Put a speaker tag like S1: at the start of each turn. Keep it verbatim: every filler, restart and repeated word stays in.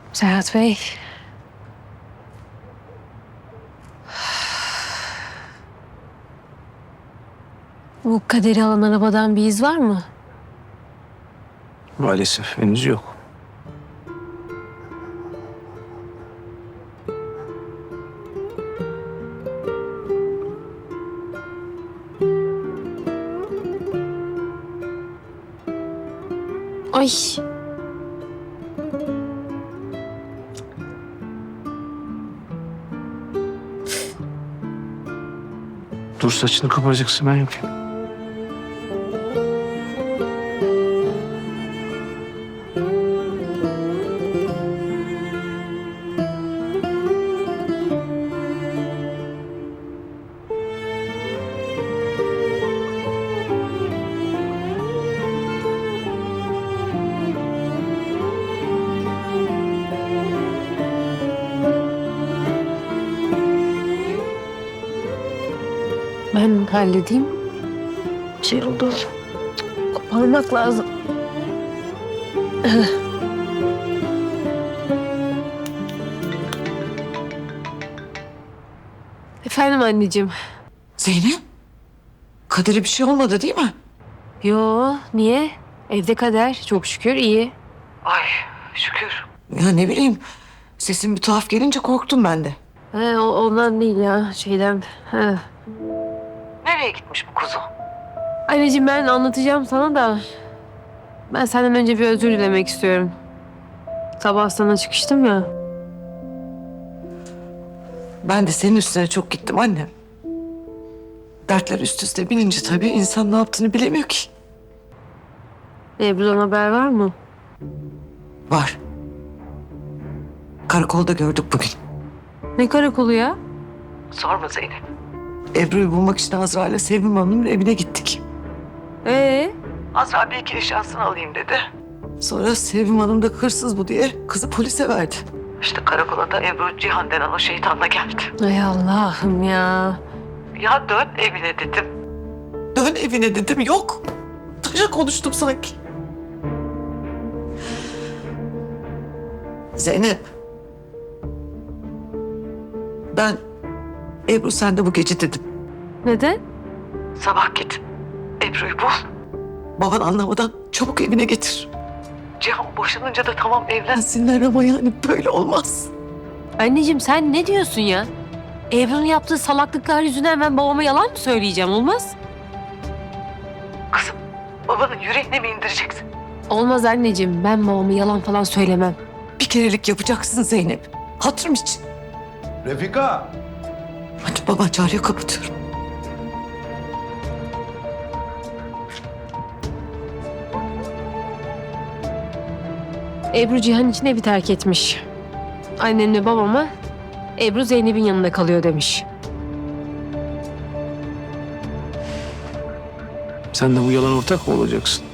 S1: Serhat Bey. Bu Kader'i alan arabadan bir iz var mı?
S2: Maalesef henüz yok.
S1: Ay.
S2: Dur, saçını kapatacaksın, ben yapayım.
S1: Ben halledeyim. Şey oldu. Koparmak lazım. Efendim anneciğim.
S3: Zeynep, Kader'e bir şey olmadı değil mi?
S1: Yo, niye? Evde Kader. Çok şükür iyi.
S3: Ay şükür. Ya ne bileyim, sesin bir tuhaf gelince korktum ben de.
S1: He, o, ondan değil ya, şeyden. He.
S3: Nereye gitmiş bu kuzu?
S1: Anneciğim ben anlatacağım sana da. Ben senden önce bir özür dilemek istiyorum. Sabah sana çıkıştım ya.
S3: Ben de senin üstüne çok gittim annem. Dertler üst üste binince tabii insan ne yaptığını bilemiyor ki.
S1: Ebru'dan haber var mı?
S3: Var. Karakolda gördük bugün.
S1: Ne karakolu ya?
S3: Sorma Zeynep. Ebru'yu bulmak için Azra ile Sevim Hanım'ın evine gittik.
S1: Ee?
S3: Azra bir iki eşyasını alayım dedi. Sonra Sevim Hanım da hırsız bu diye kızı polise verdi. İşte karakola da Ebru Cihan denen o şeytanla geldi.
S1: Ay Allah'ım ya.
S3: Ya dön evine dedim. Dön evine dedim, yok. Taşa konuştum sanki. Zeynep. Ben Ebru sen de bu gece dedim.
S1: Neden?
S3: Sabah git. Ebru'yu bul. Baban anlamadan çabuk evine getir. Cihan boşanınca da tamam evlensinler ama yani böyle olmaz.
S1: Anneciğim sen ne diyorsun ya? Ebru'nun yaptığı salaklıklar yüzünden ben babama yalan mı söyleyeceğim? Olmaz.
S3: Kızım babanın yüreğine mi indireceksin?
S1: Olmaz anneciğim. Ben babama yalan falan söylemem.
S3: Bir kerelik yapacaksın Zeynep. Hatırım için.
S4: Refika!
S3: Hadi baban çağırıyor, kapatıyorum.
S1: Ebru Cihan için evi terk etmiş. Annemle babama Ebru Zeynep'in yanında kalıyor demiş.
S2: Sen de bu yalan ortak mı olacaksın?